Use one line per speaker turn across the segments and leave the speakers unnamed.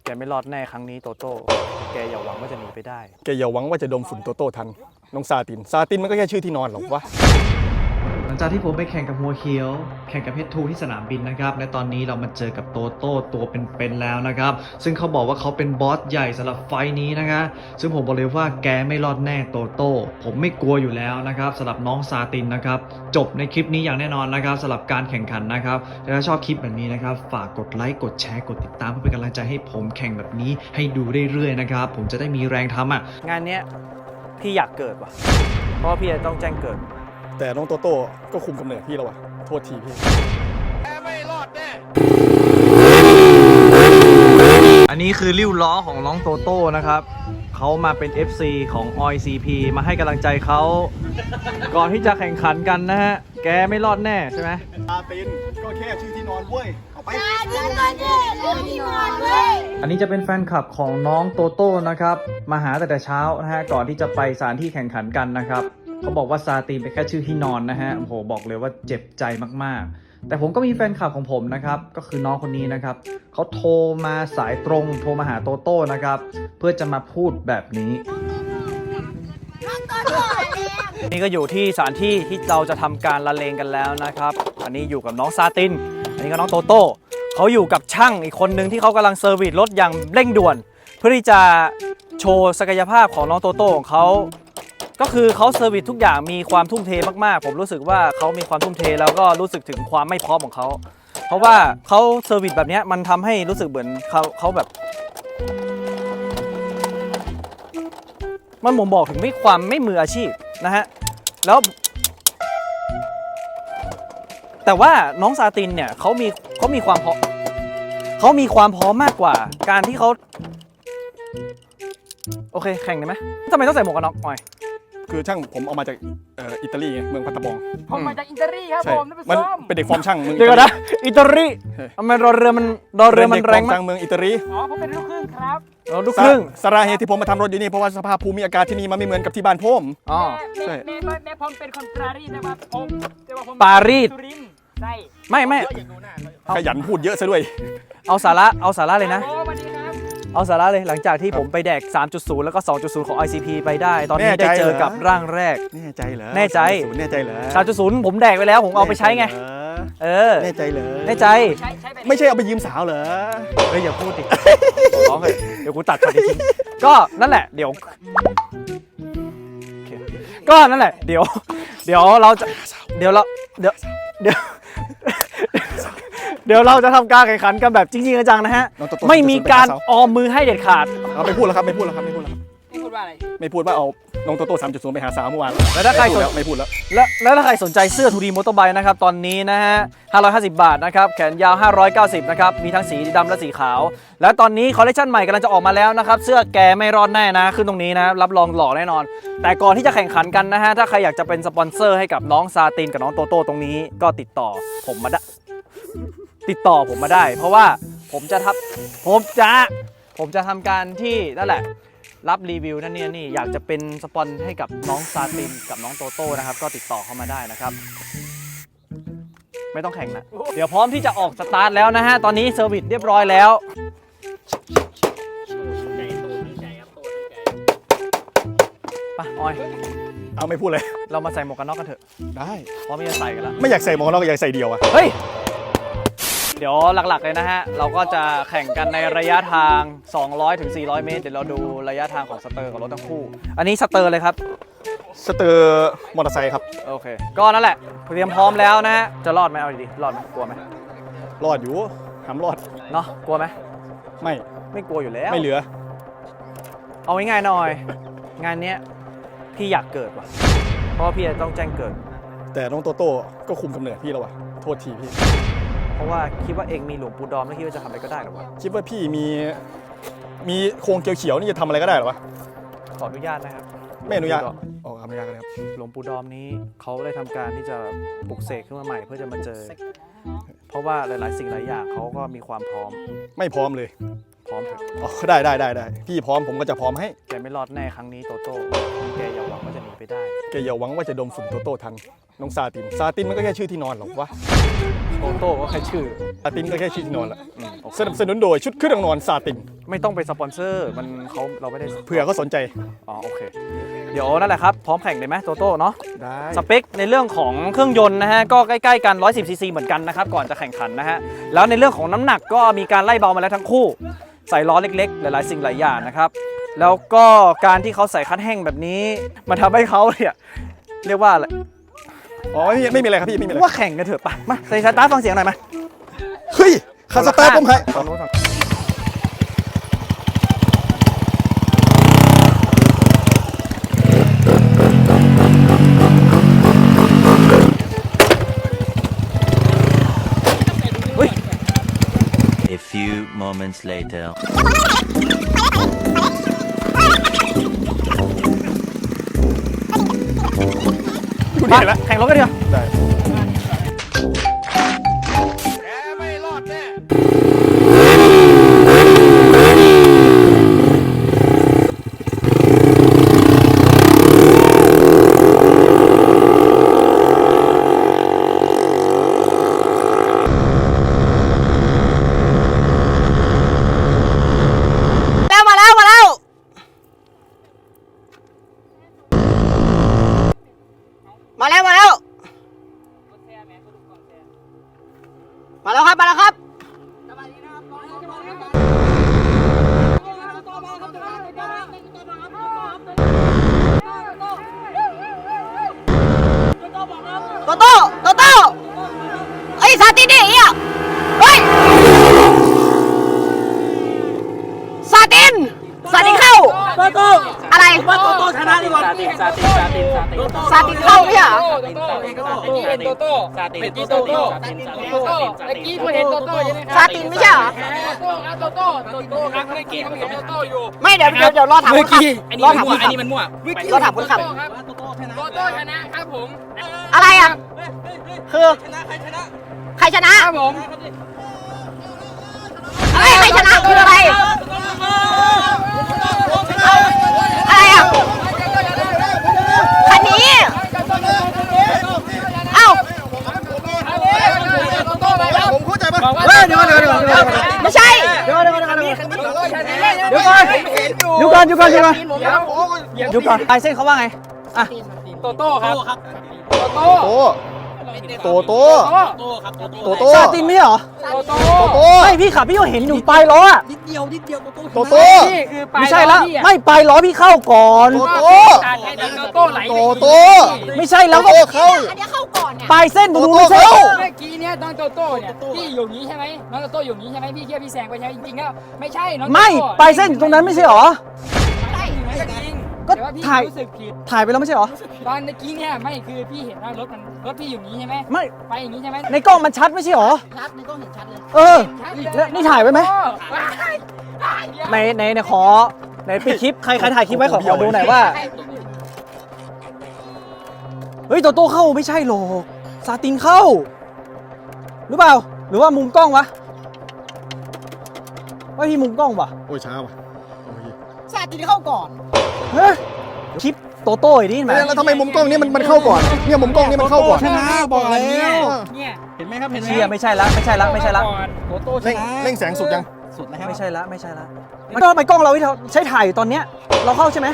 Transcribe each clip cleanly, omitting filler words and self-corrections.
แกไม่รอดแน่ครั้งนี้โตโต้แกอย่าหวังว่าจะหนีไปได้
แกอย่าหวังว่าจะดมฝุ่นโตโต้ทันน้องซาตินมันก็แค่ชื่อที่นอนหรอกวะ
หลังจากที่ผมไปแข่งกับหัวเขียวแข่งกับเพชรทูที่สนามบินนะครับและตอนนี้เรามาเจอกับโตโต้ตัวเป็นๆแล้วนะครับซึ่งเขาบอกว่าเขาเป็นบอสใหญ่สำหรับไฟนี้นะคะซึ่งผมบอกเลยว่าแกไม่รอดแน่โตโต้ผมไม่กลัวอยู่แล้วนะครับสำหรับน้องซาตินนะครับจบในคลิปนี้อย่างแน่นอนนะครับสำหรับการแข่งขันนะครับถ้าชอบคลิปแบบนี้นะครับฝากกดไลค์กดแชร์กดติดตามเพื่อเป็นกำลังใจให้ผมแข่งแบบนี้ให้ดูเรื่อยๆนะครับผมจะได้มีแรงทำอ่ะ
งานเนี้ยพี่อยากเกิดว่ะเพราะว่าพี่จะต้องแจ้งเกิด
แต่น้องโตโต้ก็คุมกำเนิดพี่แล้ววะโทษทีพี่
อันนี้คือริ้วล้อของน้องโตโต้นะครับเขามาเป็น FC ของ OICP มาให้กำลังใจเขาก่อนที่จะแข่งขันกันนะฮะแกไม่รอดแน่ใช่ไหม
ซาตินก็แค่ชื่อที่นอนเว้ยเอาไป
อันนี้จะเป็นแฟนคลับของน้องโตโต้นะครับมาหาแต่เช้านะฮะก่อนที่จะไปสถานที่แข่งขันกันนะครับเขาบอกว่าซาตินเป็นแค่ชื่อที่นอนนะฮะโอ้โหบอกเลยว่าเจ็บใจมากๆแต่ผมก็มีแฟนคลับของผมนะครับก็คือน้องคนนี้นะครับเขาโทรมาสายตรงโทรมาหาโตโต้นะครับเพื่อจะมาพูดแบบนี้
นี่ก็อยู่ที่สถานที่ที่เราจะทำการละเลงกันแล้วนะครับอันนี้อยู่กับน้องซาตินอันนี้ก็น้องโตโต้เขาอยู่กับช่างอีกคนนึงที่เขากำลังเซอร์วิสรถอย่างเร่งด่วนเพื่อที่จะโชว์ศักยภาพของน้องโตโต้ของเขาก็คือเขาเซอร์วิสทุกอย่างมีความทุ่มเทมากๆผมรู้สึกว่าเขามีความทุ่มเทแล้วก็รู้สึกถึงความไม่พร้อมของเขาเพราะว่าเขาเซอร์วิสแบบนี้มันทำให้รู้สึกเหมือนเขาแบบมันบ่งบอกถึงความไม่มืออาชีพนะฮะแล้วแต่ว่าน้องซาตินเนี่ยเขามีความพร้อมมากกว่าการที่เขาโอเคแข่งได้ไหมทำไมต้องใส่หมวกกันน็อกหน่อย
คือช่างผมเอามาจากอิตาลีเมืองพัตตาบอง
ผมมาจากอิตาลีครับผม
มันเป็นเด็กฟอร์มช่างเมือง
เดี๋ยวนะอิตาลีทำไมรอเรือมันแรงมาก
เมืองอิตาลี
อ๋อผมเป็นลูกครึ่งครับ
ลูกครึ่ง
สาเหตุที่ผมมาทำรถอยู่นี่เพราะว่าสภาพภูมิอากาศที่นี่มันไม่เหมือนกับที่บ้านผม
อ๋อ
ใช่แม่ผมเป็นคนปารีสแต่ว่าผม
ปารีส
ใช่
ไม่
ขยันพูดเยอะซะด้วย
เอาสาระเลยนะเอาสาระเลยหลังจากที่ผมไปแดก 3.0 แล้วก็ 2.0 ของ ICP ไปได้ตอนนี้ได้เจอกับร่างแรก
แน่ใจเหรอ
แน่ใจ
เหรอ
3.0 ผมแดกไปแล้วผมเอาไปใช้ไง
แน่ใจเหรอ
แน่ใจ
ไม่ใช่เอาไปยืมสาวเหรอ
เฮ้ยอย่าพูดดิร้องเลยเดี๋ยวกูตัดช็อตทิ้งก็นั่นแหละเดี๋ยวก็นั่นแหละเดี๋ยวเราจะเดี๋ยวเราจะทำการแข่งขันกันแบบจริงๆจังๆนะฮะไม่มีการออมมือให้เด็ดขาด
ไม่พูดแล้วครับไม่พูดว่าอะไรไม่พูดว่าเอาน้องโตโต้ 3.0 ไปหาสาวเมื่อวาน
แล้วถ้าใคร
ไม่พูด
แล้วถ้าใครสนใจเสื้อ 2D Motorbike นะครับตอนนี้นะฮะ550 บาทนะครับแขนยาว590นะครับมีทั้งสีดำและสีขาวแล้วตอนนี้คอลเลคชันใหม่กำลังจะออกมาแล้วนะครับเสื้อแกไม่รอดแน่นะขึ้นตรงนี้นะรับรองหล่อแน่นอนแต่ก่อนที่จะแข่งขันกันนะฮะถ้าใครอยากจะเป็นสปอนเซอร์ให้กับน้องซาตินกับน้องโตโต้ตรงนี้ก็ติดต่อผมมาได้เพราะว่าผมจะทำการที่นั่นแหละรับรีวิวนั่นนี่อยากจะเป็นสปอนให้กับน้องซาตินกับน้องโตโต้นะครับก็ติดต่อเข้ามาได้นะครับไม่ต้องแข่งนะเดี๋ยวพร้อมที่จะออกสตาร์ทแล้วนะฮะตอนนี้เซอร์วิสเรียบร้อยแล้วไปออย
เอาไม่พูดเลย
เรามาใส่หมวกกันน็อกกันเถอะ
ได้
พร้อมที่จะใส่กันแล้ว
ไม่อยากใส่หมวกกันน็อกอยากใส่เดียวอะ
เฮ้ยเดี๋ยวหลักๆเลยนะฮะเราก็จะแข่งกันในระยะทาง200 ถึง 400 เมตรเดี๋ยวเราดูระยะทางของสเตอร์กับรถทั้งคู่อันนี้สเตอร์เลยครับ
สเตอร์มอเตอร์ไซค์ครับ
โอเคก็นั่นแหละเตรียมพร้อมแล้วนะฮะจะรอดไหมเอาดีๆรอดไหมกลัวไหม
รอดอยู่ห้ามรอด
เนาะกลัวไหม
ไม่
กลัวอยู่แล้ว
ไม่เหลือ
เอาง่ายๆหน่อยงานเนี้ยพี่อยากเกิดว่ะเพราะว่าพี่จะต้องแจ้งเกิด
แต่น้องโตโต้ก็คุมกำเนิดพี่แล้ววะโทษทีพี่
เพราะว่าคิดว่าเองมีหลวงปู่ดอมแล้วคิดว่าจะทำอะไรก็ได้หรอวะ
คิดว่าพี่มีโครงเขียวๆนี่จะทำอะไรก็ได้หรอวะ
ขออนุญาตนะครับ
ไม่อนุญาตอนุญาตครับ
หลวงปู่ดอมนี้เขาได้ทำการที่จะปลุกเสกขึ้นมาใหม่เพื่อจะมาเจอเพราะว่าหลายๆสิ่งหลายอย่างเขาก็มีความพร้อม
ไม่พร้อมเลย
พร้อมเถอะ
ได้พี่พร้อมผมก็จะพร้อมให้
แกไม่รอดแน่ครั้งนี้โตโต้แกอย่าหวังว่าจะหนีไปได้
แกอย่าหวังว่าจะดมฝุ่นโตโต้ทันน้องซาตินมันก็แค่ชื่อที่นอนหรอกวะ
โตโต้ก็แค่ชื่อ
ซาตินก็แค่ชื่อที่นอนแหละสนับสนุนโดยชุดเครื่องนอนซาติน
ไม่ต้องไปสปอนเซอร์มันเราไม่ได้
เผื่อเขาสนใจ
อ๋อโอเคเดี๋ยวนั่นแหละครับพร้อมแข่งเลยไหมโตโต้เนาะ
ได้
สเปคในเรื่องของเครื่องยนต์นะฮะก็ใกล้ๆกัน110 ซีซีเหมือนกันนะครับก่อนจะแข่งขันนะฮะแล้วในเรื่องของน้ำหนักก็มีการไล่เบามาแล้วทั้งคู่ใส่ล้อเล็กๆหลายๆสิ่งหลายอย่างนะครับแล้วก็การที่เขาใส่คัดแห้งแบบนี้มันทำให้เขาเนี่ยเรียกว่าอะไร
อ๋อไม่มีอะไรครับพี่ไม่มีอะไร
ว่าแข่งกันเถอะไปมาใส่สตาร์ทฟังเสียงหน่อยมา
เฮ้ยคาสตาร์ผมให้
ฝั่งนู้นฝั่ง
A few moments later.
คุณ
มา
เห็นแล้ว
แข่งรถกันเถอะ
ได้
มาแล้วมาแล้วมาแล้วมาแล้วมาแล้วครับมาแล้วครับโตโต้โตโต้ไอ้ยซาตินดิเฮียเฮ้ยซาตินเข้าโตโต้อะไรว่าโตโต้ชนะดีกว่าซาตินเข้าไม่ใช่เหรอ
กี้เห็นโตโต้เมื่อกี้โตโต้เมื่อกี้กูเห็นโตโต้ใช่ไหมครับ
ซาตินไม่ใช่เหรอ
โตโต้ครับเมื่อกี้เขาเห็นโตโต้อยู่
ไม่เดี๋ยวรอถามคนขับรอถามคนขับ
มันมั่ว
รอถามคนขับ
โตโต้นะครับผม
อะไรอ่ะคือใครชนะ
ครับผม
อะไรใครชนะคืออะไรอะไรอ่ะคันนี้เอ้า
โตโต้ไปแล้ว
ผมเข้าใจป่ะ
บอกว่า
เดี๋ยวก่อน
ไม่ใช่
เดี๋ยวก่อนเดี๋ยวก่อน
เดี๋
เดี๋ยวก่อนไอเส้นเขาว่าไงอ่ะ
โตโต้ครับโตโต้
โตโต
ซาตินไม่ใช่เหรอ
โตโต้
โต
ไม่พี่ขับพี่ก็เห็นอยู่ปลายล้ออ่ะ
โตโต
นี่คือปลาย
ไม่ใช่แล้วไม่ปลายล้อพี่เข้าก่อน
โตโต
การให้โตโต้ไหล
โต
ไม่ใช่แล้ว
โตเข้า
อันนี้เข้าก่อนเนี่ย
ปลายเส้นตรงนู้นไม่ใช่
โตโต้
เมื่อกี้เนี่ยน้องโตโต้เนี่ยพี่อยู่นี้ใช่ไหมน้องโตโต้อยู่นี้ใช่ไหมพี่เคี่ยวพี่แซงไปใช่ไหมจริงๆแล้วไม่ใช่น้อง
ไม่ปลายเส้นอยู่ตรงนั้นไม่ใช่เหรอ
ใช่ไม่จริง
ก็
แต่ว่าพี่
ถ่าย
รู้สึกผิด
ถ่ายไปแล้วไม่ใช่เหรอ
ตอนเมื่อกี้เนี่ยไม่คือพี่เห็นว่ารถพี่อยู่นี้ใช่ไหม
ไม่
ไปอย่างนี้ใช่ไหม
ในกล้องมันชัดไม่ใช่เหรอ
ชัดในกล้องเห็นชัดเลย
เออ แล้วนี่ถ่ายไว้ไหม ในขอในปิดคลิปใครถ่ายคลิปไว้ขอดูหน่อยว่าเฮ้ยโตโต้เข้าไม่ใช่หรอกซาตินเข้าหรือเปล่าหรือว่ามุมกล้องวะว่าพี่มุมกล้องวะ
โอ้ยช้าว่ะ
ซาตินเข้าก่อน
เฮ้ยคลิปโตโต้ไอ้นี่ไหม
แล้วทำไมมุมกล้องนี้มันเข้าก่อนเนี่ยมุมกล้องนี้มันเข้าก่อน
ชนะบอกแล้วเนี่ย
เห็นไหมครับเห็นไหมเชียร์ไม่ใช่ละไม่ใช่ละไม่ใช่ละ
โตโต้ช
เร่ง
นะ
แสงสุดยัง
ไม่ใช่ละไม่ใช่ละมันก็ทำไมกล้องเราที่เราใช้ถ่ายอยู่ตอนเนี้ยเราเข้าใช่ไหม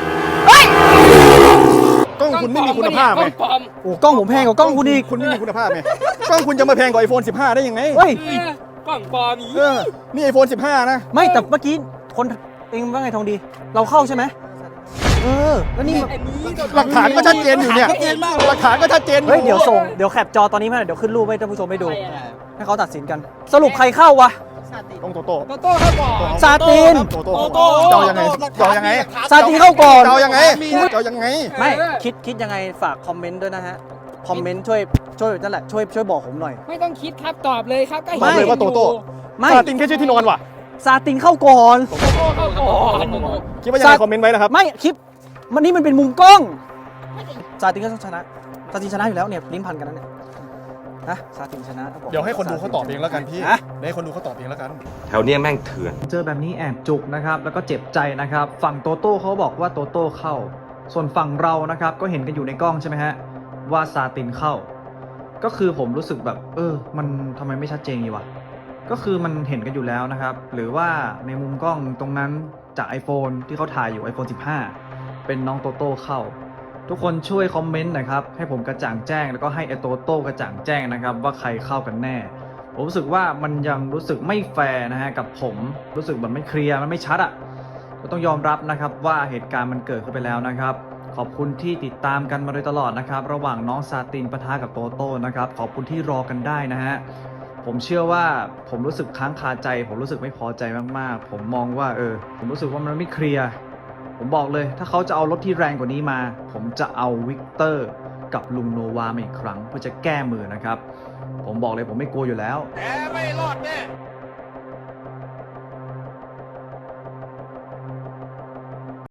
กล้องคุณไม่มีคุณภาพ
ก
ไง
ล้องปลอม
โอ้กล้องผมแพงกว่ากล้องคุณอีก
คุณไม่มีคุณภาพไงกล้องคุณจะมาแพงกว่า iPhone 15 ได้ยังไง
เฮ้ย
กล้องปลอมอีก
นี่ iPhone 15 นะ
ไม่แต่เมื่อกี้คนเองว่าไงทองดี เราเข้าใช่ไหมเออแล้วนี่
อันนี้
หลักฐานก็ชัดเจนอยู่เนี่ยหลักฐานก็ชัดเจนอยู่
เฮ้ยเดี๋ยวแคปจอตอนนี้มาหน่อยเดี๋ยวขึ้นรูปให้ท่านผู้ชมได้ดูให้เขาตัดสินกัน สรุปใครเข้าวะ
ต้องโตโต้
โตโต้เข้าก่อน
ซาติน
โตโต้เจ้ายังไงเจ้ายังไง
ซาตินเข้าก่อน
เจ้ายังไงเจ้ายังไง
ไม่คิดยังไงฝากคอมเมนต์ด้วยนะฮะคอมเมนต์ช่วยนั่นแหละช่วยบอกผมหน่อย
ไม่ต้องคิดครับตอบเลยครับก็
ตอบเลยว่าโตโต้
ไม่
ซาตินแค่ชื่อที่นอนว่ะ
ซาตินเข้าก่อน
โตโต้เข้าก่อน
คิดว่ายังไงคอมเมนต์ไว้นะครับ
ไม่คลิปนี่มันเป็นมุมกล้องซาตินก็ต้องชนะซาตินชนะอยู่แล้วเนี่ยลิ้นพันกันแล้วเนี่ยนะซาตินชนะบอก
เดี๋ยวให้คนดูเขาตอบเองแล้วกันพี่
ฮะ
เดี๋ยวให้คนดูเขาตอบเองแล้วกัน
แถวเนี้ยแม่งเถื่อน
เจอแบบนี้แอบจุกนะครับแล้วก็เจ็บใจนะครับฝั่งโตโต้เขาบอกว่าโตโต้เข้า ส่วนฝั่งเรานะครับก็เห็นกันอยู่ในกล้องใช่ไหมฮะว่าซาตินเข้า ก็คือผมรู้สึกแบบมันทำไมไม่ชัดเจนอยู่วะก็คือมันเห็นกันอยู่แล้วนะครับหรือว่าในมุมกล้องตรงนั้นจาก iPhone ที่เขาถ่ายอยู่ iPhone 15 เป็นน้องโตโต้เข้าทุกคนช่วยคอมเมนต์หน่อยครับให้ผมกระจ่างแจ้งแล้วก็ให้ไอโตโต้กระจ่างแจ้งนะครับว่าใครเข้ากันแน่ผมรู้สึกว่ามันยังรู้สึกไม่แฟร์นะฮะกับผมรู้สึกมันไม่เคลียร์มันไม่ชัดอ่ะก็ต้องยอมรับนะครับว่าเหตุการณ์มันเกิดขึ้นไปแล้วนะครับขอบคุณที่ติดตามกันมาโดยตลอดนะครับระหว่างน้องซาตินปะทะกับโตโต้นะครับขอบคุณที่รอกันได้นะฮะผมเชื่อว่าผมรู้สึกค้างคาใจผมรู้สึกไม่พอใจมากๆผมมองว่าผมรู้สึกว่ามันไม่เคลียร์ผมบอกเลยถ้าเขาจะเอารถที่แรงกว่านี้มาผมจะเอาวิกเตอร์กับลุงโนวามาอีกครั้งเพื่อจะแก้มือนะครับผมบอกเลยผมไม่กลัวอยู่แล้ว
แกไม่รอดแน่